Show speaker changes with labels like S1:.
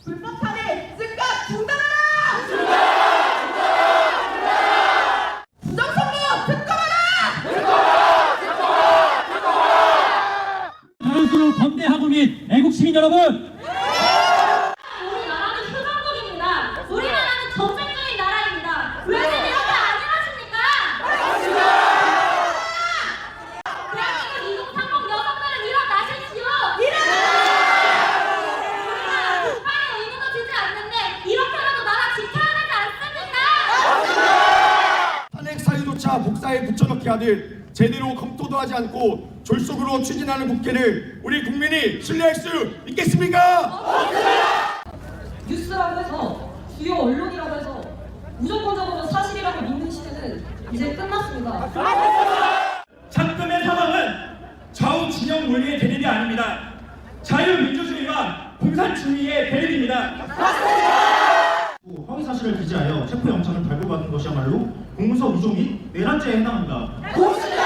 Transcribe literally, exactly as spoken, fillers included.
S1: 불법화를 즉각 중단하라! 중단하라! 중단하라! 중단하라! 부정선거 특검하라! 특검하라! 특검하라! 특검하라!
S2: 다음으로 건대하고 및 애국 시민 여러분,
S3: 우리나라는 휴전국입니다. 우리나라는 전쟁적인 나라입니다. 왜 이렇게 안일하십니까? 대한민국 이공삼공 여성들은 일어나십시오. 우리가 국방의 의무도 지지 않는데 이렇게라도 나라 지켜야 되지 않습니까?
S4: 탄핵 사유조차 복사에 붙여넣기 하듯 제대로 검토도 하지 않고 졸속으로 추진하는 국회를 우리 국민이 신뢰할 수 있겠습니까?
S5: 뉴스라고 해서 주요 언론이라고 해서 무조건적으로 사실이라고 믿는 시대는 이제 끝났습니다.
S6: 작금의 사망은 좌우 진영 논리의 대립이 아닙니다. 자유민주주의와 공산주의의 대립입니다.
S7: 허위 사실을 기재하여 체포영장을 발부받은 것이야말로 공무서 위조 및 내란죄에 해당합니다.